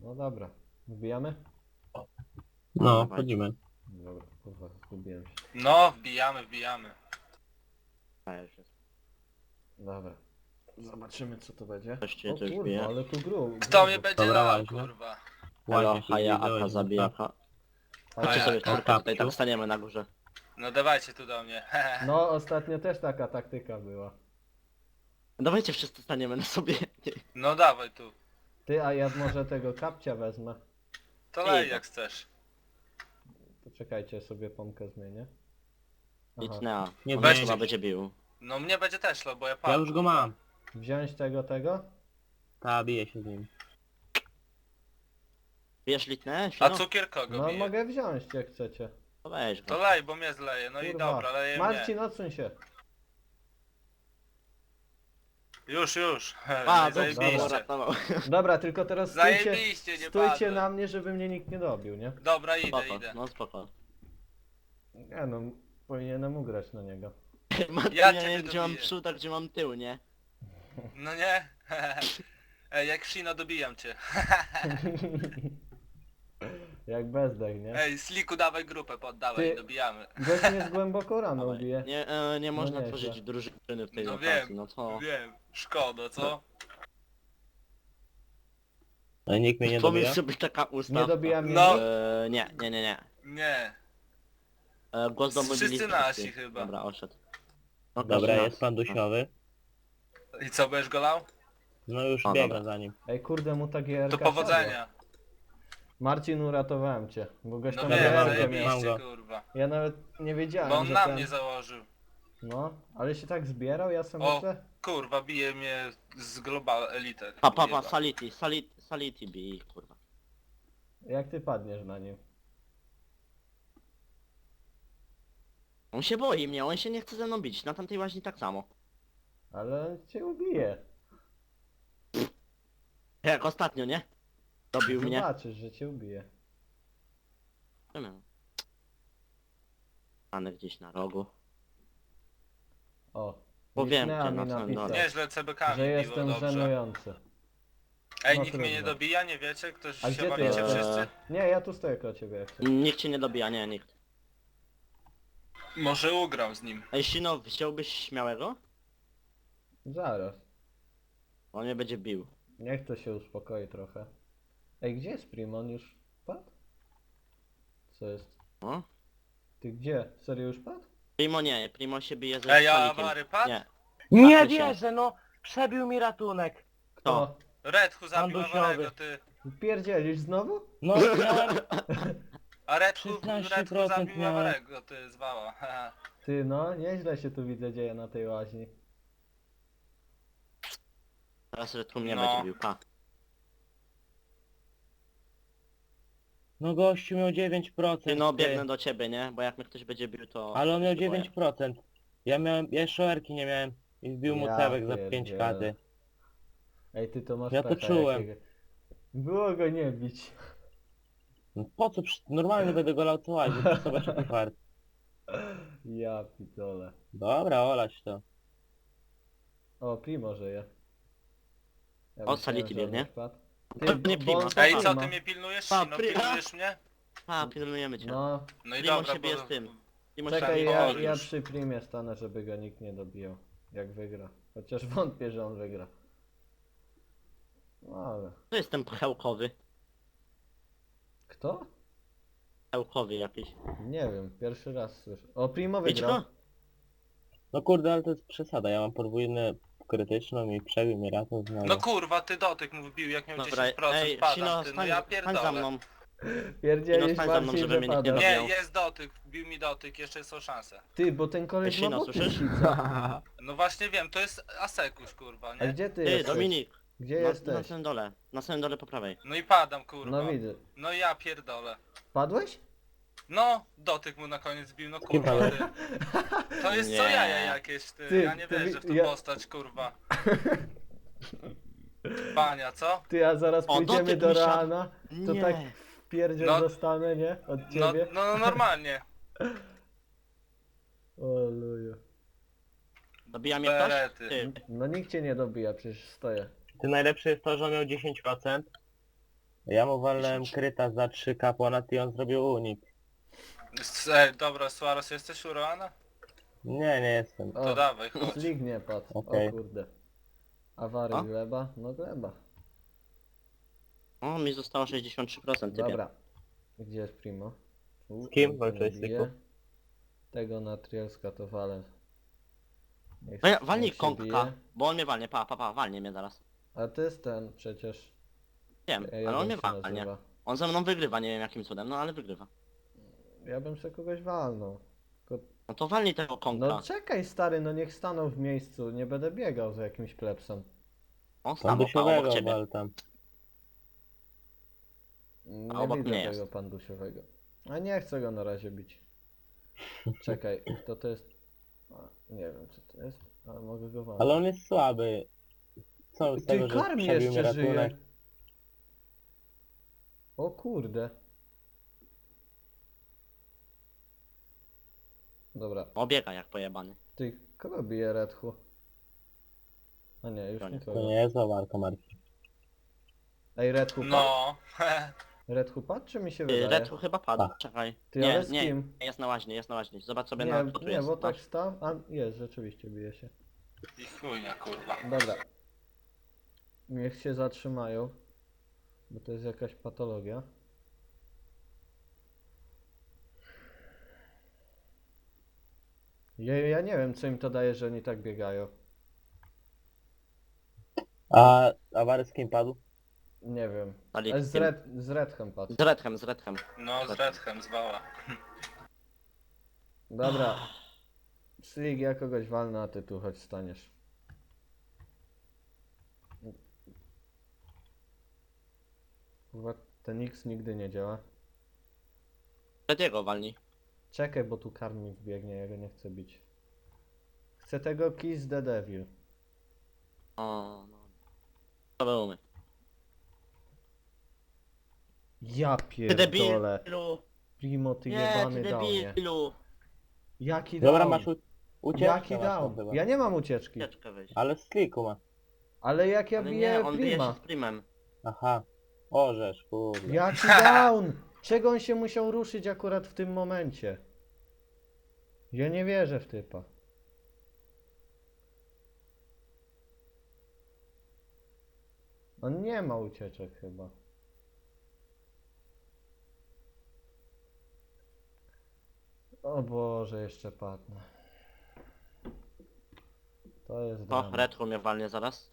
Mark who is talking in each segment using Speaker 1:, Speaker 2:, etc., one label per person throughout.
Speaker 1: No dobra. Wbijamy?
Speaker 2: No,
Speaker 3: dawaj.
Speaker 2: wchodzimy.
Speaker 1: Dobra, kurwa, zgubiłem się.
Speaker 4: No, wbijamy.
Speaker 3: A, już jest.
Speaker 1: Dobra. Zobaczymy co to będzie.
Speaker 3: Coś cię
Speaker 1: O
Speaker 3: coś
Speaker 1: kurwa,
Speaker 3: bije.
Speaker 1: ale tu gru.
Speaker 4: Kto mnie będzie
Speaker 2: Dobra,
Speaker 4: lał,
Speaker 2: łaźnia.
Speaker 4: kurwa?
Speaker 3: Halo,
Speaker 2: Ładnie się
Speaker 3: haja,
Speaker 2: zbliżyłeś,
Speaker 3: aka zabija.
Speaker 2: Gustaw.
Speaker 3: Chodźcie
Speaker 4: A
Speaker 3: sobie
Speaker 4: jak?
Speaker 3: w czwórkę
Speaker 2: O,
Speaker 3: tutaj,
Speaker 2: kapciu.
Speaker 3: tak staniemy na górze.
Speaker 4: No dawajcie tu do mnie.
Speaker 1: No ostatnio też taka taktyka była.
Speaker 3: Dawajcie wszyscy staniemy na sobie.
Speaker 4: No dawaj tu.
Speaker 1: Ty, a ja może tego kapcia wezmę.
Speaker 4: To lej jak chcesz.
Speaker 1: To czekajcie, sobie pompkę zmienię.
Speaker 3: Nic
Speaker 1: Aha.
Speaker 3: nie,
Speaker 2: Nie
Speaker 3: on
Speaker 4: weźcie.
Speaker 3: chyba będzie bił.
Speaker 4: No mnie będzie też lał, bo ja
Speaker 2: Ja
Speaker 4: padłem.
Speaker 2: już go mam.
Speaker 1: Wziąć tego?
Speaker 2: Ta, bije się z nim.
Speaker 3: Wiesz litnę?
Speaker 4: A
Speaker 3: Fino?
Speaker 4: cukier kogo
Speaker 1: No
Speaker 4: bije?
Speaker 1: mogę wziąć jak chcecie.
Speaker 3: To weź
Speaker 4: To
Speaker 3: go.
Speaker 4: lej, bo mnie zleje. No i
Speaker 1: Kurwa.
Speaker 4: dobra, leje
Speaker 1: Marcin,
Speaker 4: mnie.
Speaker 1: odsuń się.
Speaker 4: Już.
Speaker 3: A,
Speaker 4: Zajebiście.
Speaker 3: uratował.
Speaker 1: Dobra, tylko teraz stójcie,
Speaker 4: Zajebiście, nie
Speaker 1: stójcie
Speaker 4: padłem.
Speaker 1: na mnie, żeby mnie nikt nie dobił, nie?
Speaker 4: Dobra, idę.
Speaker 3: No spoko.
Speaker 1: Nie no, powinienem ugrać na niego.
Speaker 4: Ja
Speaker 3: Ja
Speaker 4: cię
Speaker 3: nie wiem gdzie mam
Speaker 4: dobiję.
Speaker 3: przód, a gdzie mam tył, nie?
Speaker 4: No nie? Ej, jak Shino dobijam cię.
Speaker 1: Jak bezdech, nie?
Speaker 4: Ej, Sliku dawaj grupę, poddawaj,
Speaker 1: Ty-
Speaker 4: dobijamy.
Speaker 1: Gość mnie z głęboko rano
Speaker 3: Dawaj.
Speaker 1: ubije.
Speaker 3: Nie można
Speaker 1: nieźle.
Speaker 3: tworzyć drużyny w tej
Speaker 4: No
Speaker 3: lokacji,
Speaker 4: wiem,
Speaker 3: no to...
Speaker 4: Wiem, szkoda, co?
Speaker 2: Ale nikt mnie nie
Speaker 3: Pomyśl
Speaker 2: dobija.
Speaker 3: sobie taka ustawka.
Speaker 1: Nie dobija mnie
Speaker 4: No.
Speaker 1: nikt?
Speaker 3: Nie.
Speaker 4: Nie.
Speaker 3: Głos do
Speaker 4: Wszyscy
Speaker 3: mobility.
Speaker 4: nasi chyba.
Speaker 3: Dobra, oszedł. No,
Speaker 2: Dobra,
Speaker 3: każdy
Speaker 2: jest
Speaker 3: nas.
Speaker 2: pan dusiowy.
Speaker 4: I co, będziesz go lał?
Speaker 2: No już
Speaker 3: O,
Speaker 2: biegnę
Speaker 3: dobra.
Speaker 2: za nim.
Speaker 1: Ej kurde, mu ta GRK
Speaker 4: To
Speaker 1: siadła.
Speaker 4: powodzenia.
Speaker 1: Marcin, uratowałem cię, bo gość
Speaker 4: No
Speaker 1: tam
Speaker 2: Dobra,
Speaker 4: wiem,
Speaker 2: mam go,
Speaker 1: GRK miał.
Speaker 2: mam
Speaker 4: zajebiście,
Speaker 2: go.
Speaker 4: kurwa.
Speaker 1: Ja nawet nie wiedziałem,
Speaker 4: Bo on
Speaker 1: że
Speaker 4: na
Speaker 1: ten...
Speaker 4: mnie założył.
Speaker 1: No, ale się tak zbierał, ja sam
Speaker 4: O.
Speaker 1: myślę...
Speaker 4: Kurwa, bije mnie z Global Elite.
Speaker 3: Pa,
Speaker 4: Jeba.
Speaker 3: Sality bij, kurwa.
Speaker 1: Jak ty padniesz na nim?
Speaker 3: On się boi mnie, on się nie chce ze mną bić, na tamtej łaźni tak samo.
Speaker 1: Ale on cię ubije.
Speaker 3: Jak ostatnio, nie? Dobił mnie.
Speaker 1: Zobaczysz, że cię ubije.
Speaker 3: Stanę gdzieś na rogu.
Speaker 1: O.
Speaker 3: Powiem
Speaker 1: Lisnea
Speaker 3: cię
Speaker 1: mi
Speaker 3: na samym
Speaker 1: napisał,
Speaker 3: dole.
Speaker 4: Nieźle CBK-mi
Speaker 1: że
Speaker 4: biło,
Speaker 1: jestem
Speaker 4: dobrze.
Speaker 1: żenujący.
Speaker 4: Ej,
Speaker 1: No
Speaker 4: nikt mnie nie
Speaker 1: trudno.
Speaker 4: dobija, nie wiecie? Ktoś
Speaker 1: A
Speaker 4: się
Speaker 1: gdzie ty
Speaker 4: bawicie
Speaker 1: jesteś?
Speaker 4: wszyscy?
Speaker 1: Nie, ja tu stoję koło ciebie jak chcesz.
Speaker 3: Nikt cię nie dobija, nie, nikt.
Speaker 4: Może ugram z nim.
Speaker 3: Ej, Sino, chciałbyś śmiałego?
Speaker 1: Zaraz.
Speaker 3: On mnie będzie bił.
Speaker 1: Niech to się uspokoi trochę. Ej, gdzie jest Primon? Już padł? Co jest?
Speaker 3: O?
Speaker 1: Ty gdzie? Serio już padł?
Speaker 3: Primo się bije ze
Speaker 4: Ej, a
Speaker 3: Salikiem.
Speaker 4: Awary padł?
Speaker 3: Nie.
Speaker 5: Nie
Speaker 3: Tak,
Speaker 5: wierzę, no! Przebił mi ratunek.
Speaker 3: Kto?
Speaker 4: Redhu zabił
Speaker 5: Bandusiowy.
Speaker 4: Awarego, ty.
Speaker 1: Pierdzielisz znowu?
Speaker 5: No, miałem...
Speaker 4: A Redhu
Speaker 5: 16%
Speaker 4: zabił
Speaker 5: miałem.
Speaker 4: Awarego, ty zwała.
Speaker 1: Ty no, nieźle się tu widzę dzieje na tej łaźni.
Speaker 3: Teraz Retru mnie
Speaker 4: No.
Speaker 3: będzie bił, pa.
Speaker 5: No gościu miał 9%.
Speaker 3: Ty no,
Speaker 5: ty.
Speaker 3: biegnę do ciebie, nie? Bo jak mnie ktoś będzie bił, to...
Speaker 5: Ale on miał
Speaker 3: się boję.
Speaker 5: 9%. Ja jeszcze OR-ki nie miałem. I wbił mu
Speaker 1: Ja
Speaker 5: cewek za
Speaker 1: pierdzielę.
Speaker 5: 5 kady.
Speaker 1: Ej, ty to masz
Speaker 5: Ja to
Speaker 1: pecha
Speaker 5: czułem.
Speaker 1: jakiego. Było go nie bić.
Speaker 5: No po co? Normalnie będę go lał co łazi, to zobacz jaki fart.
Speaker 1: Ja pitole.
Speaker 5: Dobra, olać to.
Speaker 1: O, Primo żyje. Ja
Speaker 3: O,
Speaker 1: myślałem,
Speaker 3: Sality
Speaker 1: że on
Speaker 3: biegnie.
Speaker 1: już padł.
Speaker 3: To
Speaker 1: bo-
Speaker 3: nie
Speaker 1: bo
Speaker 3: Primo.
Speaker 1: on to
Speaker 4: Ej, co,
Speaker 1: Primo.
Speaker 4: ty mnie pilnujesz?
Speaker 3: Pa,
Speaker 4: No
Speaker 3: Primo.
Speaker 4: pilnujesz mnie?
Speaker 3: Pa, pilnujemy cię.
Speaker 1: No,
Speaker 4: No i
Speaker 3: Primo
Speaker 4: dobra,
Speaker 3: się bije
Speaker 4: bo...
Speaker 3: z tym. Primo
Speaker 1: czekaj,
Speaker 3: się
Speaker 1: ja,
Speaker 4: już.
Speaker 1: ja przy Primie stanę, żeby go nikt nie dobijał. Jak wygra. Chociaż wątpię, że on wygra. No ale...
Speaker 3: To jest ten pchełkowy.
Speaker 1: Kto?
Speaker 3: Pchełkowy jakiś.
Speaker 1: Nie wiem, pierwszy raz słyszę. O, Primo
Speaker 3: Widzisz
Speaker 1: wygrał.
Speaker 3: go?
Speaker 5: No kurde, ale to jest przesada. Ja mam podwójną krytyczną i przebił mnie ratum znowu.
Speaker 4: No kurwa, ty dotyk mu wbił, jak miał
Speaker 3: Dobra,
Speaker 4: 10%,
Speaker 3: ej,
Speaker 4: padam,
Speaker 3: Sino,
Speaker 4: ty, no
Speaker 3: stań,
Speaker 4: ja
Speaker 3: stań za
Speaker 4: pierdolę.
Speaker 3: mną.
Speaker 1: Pierdzielisz
Speaker 3: stań za mną,
Speaker 1: Marcin,
Speaker 3: żeby
Speaker 1: że
Speaker 3: mnie nikt nie
Speaker 1: pada.
Speaker 3: dobił.
Speaker 4: Nie, jest dotyk, wbił mi dotyk, jeszcze są szanse.
Speaker 1: Ty, bo ten koleś
Speaker 3: Ty,
Speaker 1: ma
Speaker 3: Sino,
Speaker 1: boty
Speaker 3: słyszysz?
Speaker 1: sica.
Speaker 4: No właśnie wiem, to jest Asekuś, kurwa,
Speaker 1: A
Speaker 4: nie?
Speaker 1: gdzie ty
Speaker 3: Ty,
Speaker 1: jesteś?
Speaker 3: Dominik.
Speaker 1: Gdzie
Speaker 3: Na
Speaker 1: jesteś?
Speaker 3: samym dole. Na samym dole po prawej.
Speaker 4: No i padam, kurwa.
Speaker 1: No widzę.
Speaker 4: No ja pierdolę.
Speaker 1: Padłeś?
Speaker 4: No, dotyk mu na koniec bił, no
Speaker 5: kim
Speaker 4: kurwa, ty. To jest co
Speaker 3: Nie.
Speaker 4: jaja jakieś, ty.
Speaker 1: Ty,
Speaker 4: Ja nie
Speaker 1: to
Speaker 4: wierzę w tą
Speaker 1: ja-
Speaker 4: postać, kurwa. Pania, co?
Speaker 1: Ty, a zaraz
Speaker 3: O,
Speaker 1: pójdziemy
Speaker 3: dotyk
Speaker 1: do
Speaker 3: mi siadł.
Speaker 1: Reana, to
Speaker 3: Nie.
Speaker 1: tak wpierdziel
Speaker 4: No.
Speaker 1: dostanę, nie? Od
Speaker 4: No,
Speaker 1: ciebie.
Speaker 4: no normalnie.
Speaker 1: O luju.
Speaker 3: Dobija mnie ktoś?
Speaker 4: Berety.
Speaker 3: Ty.
Speaker 1: No nikt cię nie dobija, przecież stoję.
Speaker 5: Ty najlepsze jest to, że on miał 10%. Ja mu walnąłem
Speaker 3: 10.
Speaker 5: kryta za 3K ponad i on zrobił unik.
Speaker 4: Dobra, Suarez, jesteś u Roana?
Speaker 5: Nie jestem.
Speaker 4: To dawaj, chodź.
Speaker 1: Slig nie padł.
Speaker 5: Okej.
Speaker 1: O kurde. Awary
Speaker 3: A?
Speaker 1: gleba? No gleba.
Speaker 3: O, mi zostało 63%, typie.
Speaker 1: Dobra. Gdzie jest Primo?
Speaker 5: Z kim
Speaker 1: on tu
Speaker 5: walczyłeś,
Speaker 1: nie bije.
Speaker 5: Sliku?
Speaker 1: Tego na Trielska to walę. Niech-
Speaker 3: Walnij
Speaker 1: niech się
Speaker 3: kąka,
Speaker 1: bije.
Speaker 3: bo on mnie walnie, walnie mnie zaraz.
Speaker 1: A to jest ten przecież.
Speaker 3: Wiem,
Speaker 1: Jak
Speaker 3: ale on mnie
Speaker 1: się
Speaker 3: walnie.
Speaker 1: nazywa?
Speaker 3: On ze mną wygrywa, nie wiem jakim cudem, no ale wygrywa.
Speaker 1: Ja bym sobie kogoś walnął. Tylko...
Speaker 3: No to walnij tego kąka.
Speaker 1: No czekaj stary, no niech stanął w miejscu. Nie będę biegał za jakimś plebsem.
Speaker 3: On
Speaker 5: Pan
Speaker 3: stanął obok
Speaker 5: dusiowego
Speaker 3: ciebie.
Speaker 5: wal tam.
Speaker 1: Nie
Speaker 3: obok
Speaker 1: widzę
Speaker 3: mnie
Speaker 1: tego
Speaker 3: jest.
Speaker 1: pandusiowego. A nie chcę go na razie bić. Czekaj, kto to jest? A, nie wiem co to jest, ale mogę go walnąć.
Speaker 5: Ale on jest słaby. Co z tego,
Speaker 1: Ty,
Speaker 5: że
Speaker 1: Karmi
Speaker 5: przebił mi
Speaker 1: jeszcze żyje.
Speaker 5: ratunek?
Speaker 1: O kurde. Dobra,
Speaker 3: Obiega jak pojebany.
Speaker 1: ty, kogo bije Redhu? A nie, już
Speaker 3: Koniec.
Speaker 5: To
Speaker 1: nikogo.
Speaker 5: nie jest walka, Marcin.
Speaker 1: Ej, Redhu padł?
Speaker 4: No.
Speaker 1: Redhu padł, czy mi się wydaje?
Speaker 3: Red chyba padł,
Speaker 5: Tak.
Speaker 3: czekaj.
Speaker 1: Ty,
Speaker 3: nie,
Speaker 1: ale z
Speaker 3: nie,
Speaker 1: kim?
Speaker 3: jest na łaźnie, jest na łaźnie. Zobacz sobie
Speaker 1: Nie,
Speaker 3: na kto tu
Speaker 1: nie,
Speaker 3: jest.
Speaker 1: bo tak
Speaker 3: Masz.
Speaker 1: stał, a jest, rzeczywiście bije się.
Speaker 4: I chujnia, kurwa.
Speaker 1: Dobra. Niech się zatrzymają. Bo to jest jakaś patologia. Ja nie wiem co im to daje, że oni tak biegają.
Speaker 5: A Awary z kim padł?
Speaker 1: Nie wiem.
Speaker 3: Dali
Speaker 1: Ale z Redhem padł.
Speaker 3: z Redhem, z Redhem.
Speaker 4: No, z Redhem, z Wała.
Speaker 1: Dobra. Slig, ja kogoś walnę, a ty tu choć staniesz. Kurwa, ten X nigdy nie działa.
Speaker 3: Rediego walnij.
Speaker 1: Czekaj, bo tu karmi wbiegnie, ja go nie chcę bić. Chcę tego Kiss the Devil.
Speaker 3: O, no. To były.
Speaker 1: Ja
Speaker 3: Ty
Speaker 1: pierdolę.
Speaker 3: debilu!
Speaker 1: Primo, ty
Speaker 3: Nie,
Speaker 1: jebany
Speaker 3: ty
Speaker 1: downie.
Speaker 3: debilu!
Speaker 1: Jaki
Speaker 5: Dobra,
Speaker 1: down?
Speaker 5: masz ucieczkę
Speaker 1: Jaki
Speaker 5: masz tam
Speaker 1: down?
Speaker 5: chyba.
Speaker 1: Ja nie mam ucieczki.
Speaker 3: Ucieczkę wyjść.
Speaker 5: Ale z kliku ma.
Speaker 1: Ale jak ja
Speaker 3: Ale
Speaker 1: biję
Speaker 3: nie, on bije
Speaker 1: Prima.
Speaker 3: się z primem.
Speaker 5: Aha. Orzesz, kurde.
Speaker 1: Jaki down? Czego on się musiał ruszyć akurat w tym momencie? Ja nie wierzę w typa. On nie ma ucieczek chyba. O Boże, jeszcze padnę. To jest
Speaker 3: O,
Speaker 1: dramat.
Speaker 3: Redhu mnie walnie zaraz.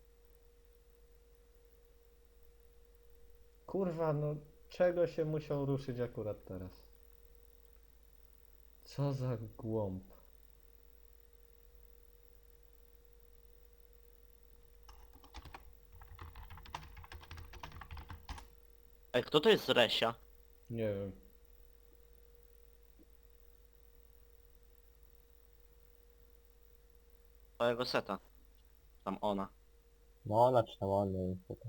Speaker 1: Kurwa, no czego się musiał ruszyć akurat teraz? Co za głąb.
Speaker 3: Ej, kto to jest Resia?
Speaker 1: Nie wiem.
Speaker 3: Twojego seta. Tam ona.
Speaker 5: No ona czy tam on, nie wiem co to.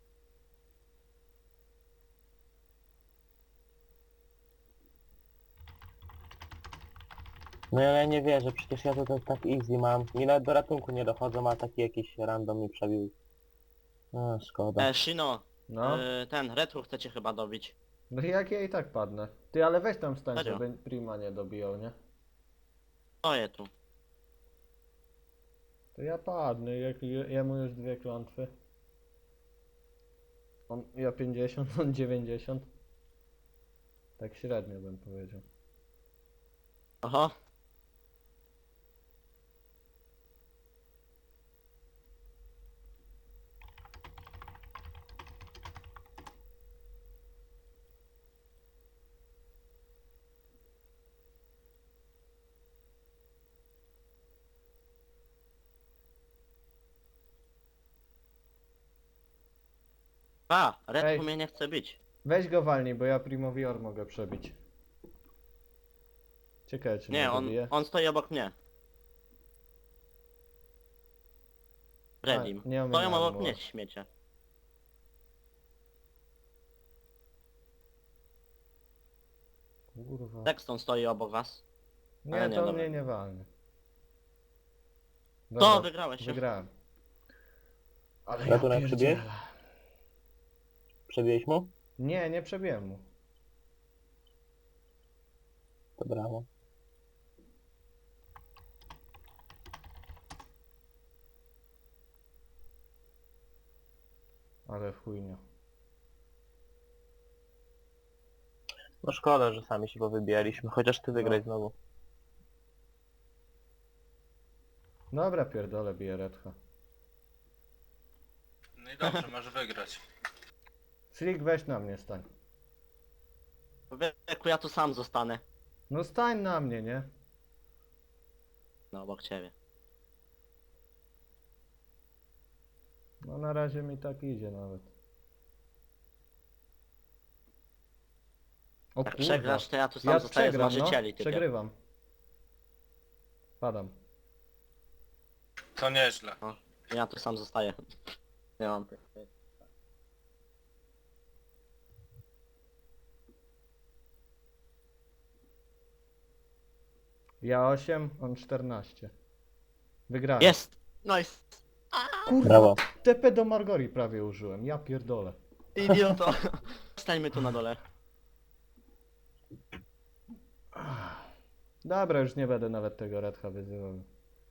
Speaker 5: No ja nie wierzę, przecież ja to tak easy mam. I nawet do ratunku nie dochodzą, a taki jakiś random mi przebił. No szkoda.
Speaker 3: Shino,
Speaker 1: No.
Speaker 3: ten Redhu chce cię chyba dobić.
Speaker 1: No jak ja i tak padnę. Ty, ale weź tam stań,
Speaker 3: Serio?
Speaker 1: żeby Prima nie dobijał, nie?
Speaker 3: Stoję tu.
Speaker 1: To ja padnę, jemu już 2 klątwy. Ja 50, on 90. Tak średnio bym powiedział.
Speaker 3: Oho. A, Redhu
Speaker 1: Ej.
Speaker 3: mnie nie chce bić.
Speaker 1: Weź go walnij, bo ja Primowi Or mogę przebić. Ciekawe czy
Speaker 3: Nie,
Speaker 1: mnie
Speaker 3: on,
Speaker 1: dobije.
Speaker 3: on stoi obok mnie. Redim.
Speaker 1: nie
Speaker 3: Stoją
Speaker 1: ominąłem
Speaker 3: obok
Speaker 1: mu.
Speaker 3: mnie, śmiecie.
Speaker 1: Kurwa.
Speaker 3: Texton stoi obok was.
Speaker 1: Nie,
Speaker 3: ale nie,
Speaker 1: to on
Speaker 3: dobra.
Speaker 1: mnie nie walnie.
Speaker 3: To
Speaker 1: Dobra,
Speaker 3: wygrałeś się.
Speaker 1: wygrałem. Ale
Speaker 5: Ratunek
Speaker 1: ja
Speaker 5: przybiłeś?
Speaker 1: pierdzielę.
Speaker 5: Przebiłeś mu?
Speaker 1: Nie, nie przebiłem mu.
Speaker 5: To brawo.
Speaker 1: Ale chujnia.
Speaker 5: No szkoda, że sami się powybijaliśmy, chociaż ty wygrać
Speaker 1: No.
Speaker 5: znowu.
Speaker 1: Dobra, pierdolę, bije redha.
Speaker 4: No i dobrze, masz wygrać.
Speaker 1: Slick, weź na mnie stań.
Speaker 3: Wieku, ja tu sam zostanę.
Speaker 1: No stań na mnie, nie?
Speaker 3: No, obok ciebie.
Speaker 1: No na razie mi tak idzie nawet. O
Speaker 3: Jak
Speaker 1: kurwa.
Speaker 3: przegrasz, to ja tu sam
Speaker 1: Ja
Speaker 3: zostaję z
Speaker 1: przegram, no.
Speaker 3: marzycieli, ty.
Speaker 1: Przegrywam. Padam.
Speaker 4: To nieźle.
Speaker 3: Ja tu sam zostaję. Nie mam.
Speaker 1: Ja 8, on 14. Wygrałem.
Speaker 3: Jest! Nice!
Speaker 1: Kurwa,
Speaker 5: Brawo.
Speaker 1: TP do Margori prawie użyłem, ja pierdolę.
Speaker 3: Idioto! Stańmy tu na dole.
Speaker 1: Dobra, już nie będę nawet tego Redha wyzywał.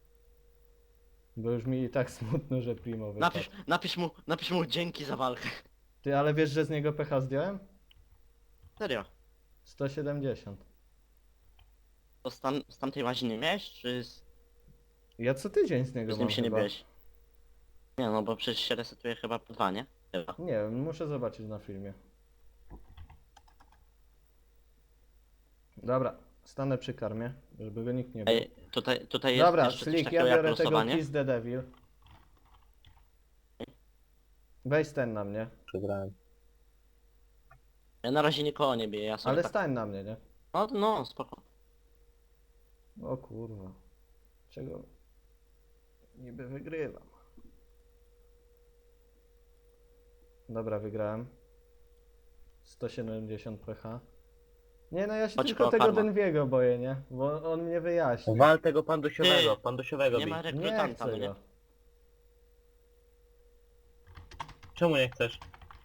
Speaker 1: Bo już mi i tak smutno, że Primo wypadł.
Speaker 3: Napisz mu dzięki za walkę.
Speaker 1: Ty, ale wiesz, że z niego pecha zdjąłem?
Speaker 3: Serio.
Speaker 1: 170.
Speaker 3: To z tamtej łaziny miałeś, czy
Speaker 1: Ja co tydzień z niego
Speaker 3: z nim
Speaker 1: mam
Speaker 3: się nie
Speaker 1: chyba.
Speaker 3: biłeś? Nie no, bo przecież się resetuje chyba po 2, nie? Chyba.
Speaker 1: Nie wiem, muszę zobaczyć na filmie. Dobra, stanę przy karmie, żeby go nikt nie bił.
Speaker 3: Ej, tutaj jest
Speaker 1: Dobra,
Speaker 3: jeszcze coś
Speaker 1: Slick,
Speaker 3: takiego
Speaker 1: ja
Speaker 3: jak
Speaker 1: biorę tego
Speaker 3: losowanie.
Speaker 1: Kiss the Devil. Weź stań na mnie,
Speaker 5: Przegrałem.
Speaker 3: Ja na razie nikogo nie biję, ja sobie
Speaker 1: ale
Speaker 3: tak...
Speaker 1: stań na mnie, nie?
Speaker 3: No, spoko.
Speaker 1: O kurwa. Czego? Niby wygrywam. Dobra, wygrałem. 170 pH. Nie no, ja się
Speaker 3: Chodź
Speaker 1: tylko
Speaker 3: po
Speaker 1: tego
Speaker 3: karma.
Speaker 1: Denwiego boję, nie? Bo on mnie wyjaśni.
Speaker 5: Wal tego pandusiowego,
Speaker 3: Ty,
Speaker 5: pandusiowego
Speaker 3: Nie
Speaker 5: bij.
Speaker 3: ma
Speaker 1: Nie
Speaker 3: rekrutanta,
Speaker 1: chcę
Speaker 3: no nie?
Speaker 1: go.
Speaker 5: Czemu nie chcesz?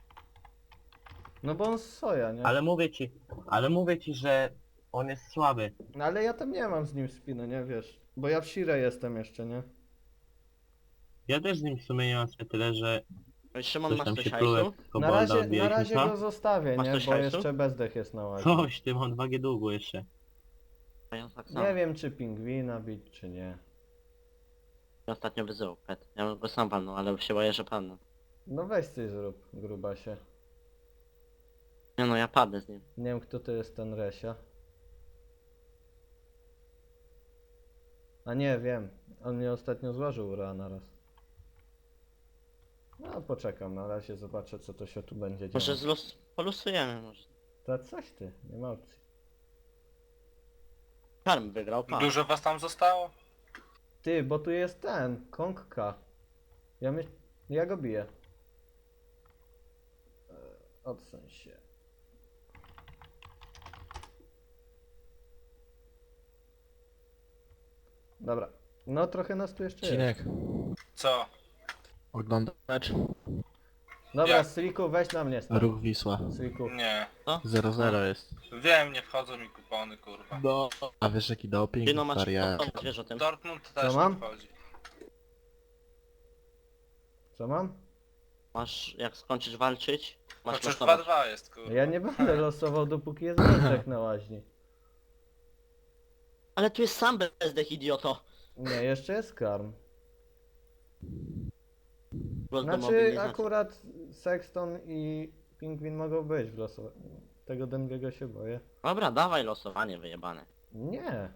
Speaker 1: No bo on z soja, nie?
Speaker 5: Ale mówię ci, że on jest słaby.
Speaker 1: No ale ja tam nie mam z nim spiny, nie wiesz? Bo ja w Shire jestem jeszcze, nie?
Speaker 5: Ja też z nim w sumie nie mam sobie tyle, że
Speaker 3: Szymon,
Speaker 5: coś
Speaker 3: masz
Speaker 5: tam
Speaker 3: coś
Speaker 5: się
Speaker 3: hajsu?
Speaker 5: plułek
Speaker 1: Na
Speaker 5: kobolda
Speaker 1: razie
Speaker 5: odbijaliśmy
Speaker 1: go zostawię,
Speaker 3: Masz
Speaker 1: nie?
Speaker 3: coś
Speaker 1: Bo
Speaker 3: hajsu?
Speaker 1: jeszcze bezdech jest na łazie.
Speaker 5: Coś, ty mam 2G długo jeszcze.
Speaker 3: A ja tak samo.
Speaker 1: Nie wiem czy pingwina bić, czy nie.
Speaker 3: Ja ostatnio wyzywał pet. Ja bym go sam walnął, ale się boję, że padnę.
Speaker 1: No weź coś zrób, grubasie.
Speaker 3: Nie no, ja padnę z nim.
Speaker 1: Nie wiem kto to jest ten Resia. A nie, wiem. On mnie ostatnio złożył ura na raz. No poczekam, na razie zobaczę co to się tu będzie
Speaker 3: Może
Speaker 1: działo.
Speaker 3: polusujemy może.
Speaker 1: To coś ty, nie ma opcji.
Speaker 3: Karm wygrał, pan.
Speaker 4: Dużo was tam zostało?
Speaker 1: Ty, bo tu jest ten, Kongka. Ja go biję. Odsuń się. Dobra. No trochę nas tu jeszcze jest.
Speaker 6: Cinek,
Speaker 4: Co?
Speaker 6: oglądam mecz.
Speaker 1: Dobra,
Speaker 4: Jak?
Speaker 1: Sliku, weź na mnie stąd.
Speaker 6: Ruch Wisła.
Speaker 1: Sliku.
Speaker 4: Nie.
Speaker 6: 0-0 jest.
Speaker 4: Wiem, nie wchodzą mi kupony, kurwa.
Speaker 6: No. A wiesz jaki doping?
Speaker 3: Ty no masz
Speaker 6: Wariat.
Speaker 3: wiesz o tym.
Speaker 4: Dortmund też
Speaker 1: mam?
Speaker 4: nie wchodzi.
Speaker 1: Co mam?
Speaker 3: Masz, jak skończysz walczyć, masz
Speaker 4: Chociaż
Speaker 3: losować.
Speaker 4: 2-2 jest, kurwa.
Speaker 1: Ja nie będę losował dopóki jest bezdech na łaźni.
Speaker 3: Ale tu jest sam bezdech, idioto.
Speaker 1: Nie, jeszcze jest karm.
Speaker 3: Głos do
Speaker 1: Znaczy
Speaker 3: mobilizacji.
Speaker 1: akurat Sexton i Pingwin mogą być w losowaniu. Tego Dengiego się boję.
Speaker 3: Dobra, dawaj losowanie wyjebane.
Speaker 1: Nie.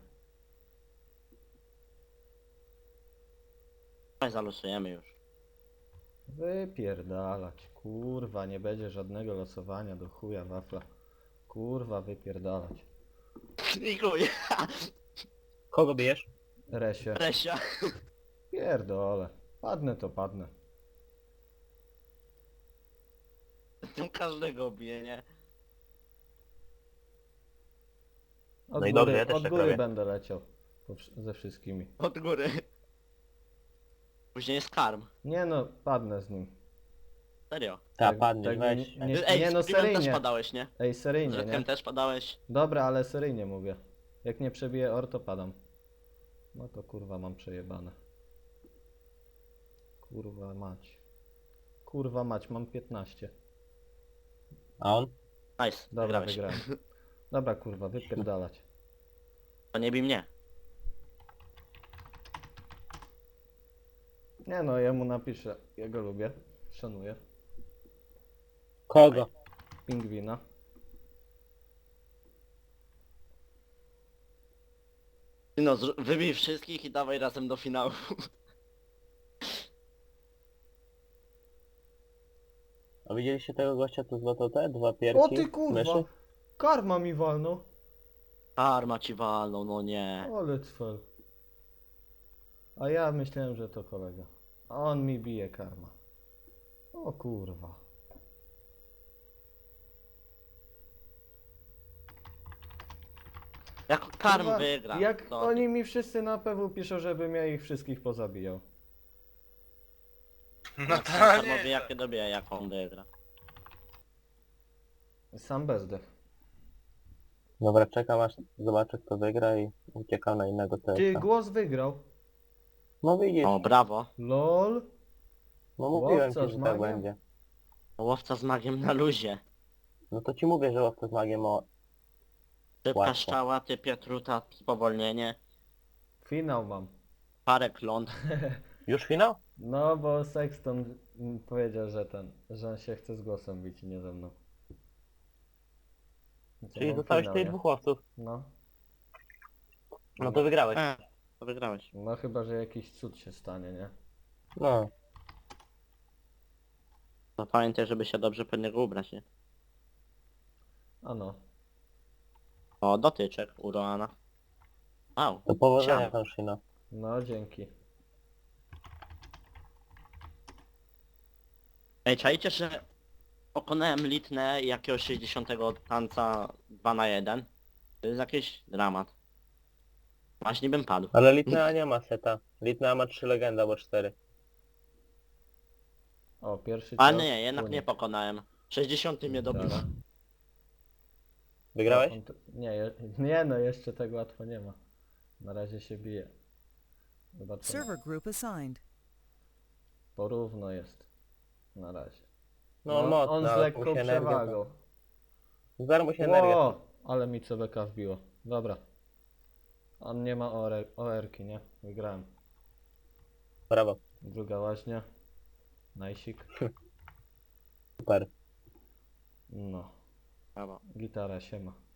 Speaker 3: Dawaj zalosujemy już.
Speaker 1: Wypierdalać. Kurwa, nie będzie żadnego losowania do chuja wafla. Kurwa, wypierdalać.
Speaker 3: I chuj.
Speaker 5: Kogo bijesz?
Speaker 1: Resie.
Speaker 3: Resia.
Speaker 1: Pierdolę. Padnę to padnę.
Speaker 3: Tym każdego bije, nie?
Speaker 1: Od
Speaker 5: No i
Speaker 1: góry,
Speaker 5: dobrze, ja też
Speaker 1: od
Speaker 5: tak
Speaker 1: góry
Speaker 5: robię.
Speaker 1: będę leciał. Ze wszystkimi.
Speaker 3: Od góry. Później jest karm.
Speaker 1: Nie no, padnę z nim.
Speaker 3: Serio.
Speaker 5: Ta,
Speaker 1: Tak-
Speaker 5: padniesz,
Speaker 1: tak
Speaker 5: weź.
Speaker 1: nie-
Speaker 3: Ej,
Speaker 1: nie, no
Speaker 3: z Screamem też
Speaker 1: seryjnie.
Speaker 3: padałeś, nie?
Speaker 1: Ej, seryjnie,
Speaker 3: Z
Speaker 1: nie?
Speaker 3: Redkiem też padałeś.
Speaker 1: Dobra, ale seryjnie mówię. Jak nie przebiję or, to padam. No to kurwa mam przejebane. Kurwa mać. Kurwa mać, mam 15.
Speaker 5: A on?
Speaker 3: Nice,
Speaker 1: Dobra,
Speaker 3: wygrałeś.
Speaker 1: wygrałem. Dobra kurwa, wypierdalać.
Speaker 3: To nie bij mnie.
Speaker 1: Nie no, ja mu napiszę. Ja go lubię. Szanuję.
Speaker 5: Kogo?
Speaker 1: Pingwina.
Speaker 3: Ty no, wybij wszystkich i dawaj razem do finału.
Speaker 5: A widzieliście tego gościa, co złotał te dwa pierki?
Speaker 1: O ty kurwa!
Speaker 5: myszy?
Speaker 1: Karma mi walnął.
Speaker 3: Karma ci walną, no nie.
Speaker 1: Ale cfel. A ja myślałem, że to kolega. A on mi bije karma. O kurwa.
Speaker 3: Jak Karm
Speaker 1: Kurwa,
Speaker 3: wygra.
Speaker 1: Jak
Speaker 3: to...
Speaker 1: oni mi wszyscy na PW piszą, żebym ja ich wszystkich pozabijał.
Speaker 4: No to
Speaker 3: Karmowi
Speaker 4: nie.
Speaker 3: jakie dobije, jak on wygra.
Speaker 1: Sam bezdech.
Speaker 5: Dobra, czekam aż zobaczę kto wygra i uciekam na innego
Speaker 1: Ty,
Speaker 5: TS-a.
Speaker 1: głos wygrał.
Speaker 5: No widzisz,
Speaker 3: O, brawo.
Speaker 1: LOL.
Speaker 5: no mówiłem
Speaker 1: łowca
Speaker 5: ci,
Speaker 1: z
Speaker 5: że tak
Speaker 1: magiem?
Speaker 5: będzie.
Speaker 3: Łowca z magiem na luzie.
Speaker 5: No to ci mówię, że łowca z magiem o...
Speaker 3: Szybka
Speaker 5: Łatwo.
Speaker 3: szczała, ty Piotruta, spowolnienie.
Speaker 1: Finał mam.
Speaker 3: Parę kląt.
Speaker 5: Już finał?
Speaker 1: No bo Sexton powiedział, że on się chce z głosem bić i nie ze mną. To
Speaker 5: Czyli
Speaker 1: mam
Speaker 5: zostałeś
Speaker 1: finał,
Speaker 5: tych
Speaker 1: nie?
Speaker 5: dwóch łowców.
Speaker 1: No.
Speaker 5: No to wygrałeś.
Speaker 3: To wygrałeś.
Speaker 1: No chyba, że jakiś cud się stanie, nie?
Speaker 5: No.
Speaker 3: No pamiętaj, żeby się dobrze pod niego ubrać, nie?
Speaker 1: A no.
Speaker 3: O, dotyczek u Roana. Wow.
Speaker 5: To powodzenia
Speaker 3: Siema.
Speaker 5: tam Shino.
Speaker 1: No dzięki.
Speaker 3: Ej, czajcie, że pokonałem Litnę i jakiegoś 60 tanca 2 na 1. To jest jakiś dramat. Właśnie bym padł.
Speaker 5: Ale Litnea nie ma seta. Litnea ma 3 legenda albo 4.
Speaker 1: O, pierwszy
Speaker 3: A
Speaker 1: cios,
Speaker 3: nie, jednak nie
Speaker 1: unik.
Speaker 3: pokonałem. 60 mnie dobił.
Speaker 1: Dobra.
Speaker 5: Wygrałeś?
Speaker 1: Nie no, jeszcze tak łatwo nie ma. Na razie się bije. Zobaczymy.
Speaker 7: Server group assigned.
Speaker 1: Porówno jest. Na razie.
Speaker 5: No mocno,
Speaker 1: on z
Speaker 5: ale
Speaker 1: lekką
Speaker 5: mu się energia...
Speaker 1: przewagą.
Speaker 5: Zaraz mu się energia...
Speaker 1: Ło, ale mi CBK wbiło. Dobra. On nie ma OR-ki, nie? Wygrałem.
Speaker 5: Brawo.
Speaker 1: Druga łaźnia. Najsik.
Speaker 5: Super.
Speaker 1: No.
Speaker 3: Brawo.
Speaker 1: Gitara siema.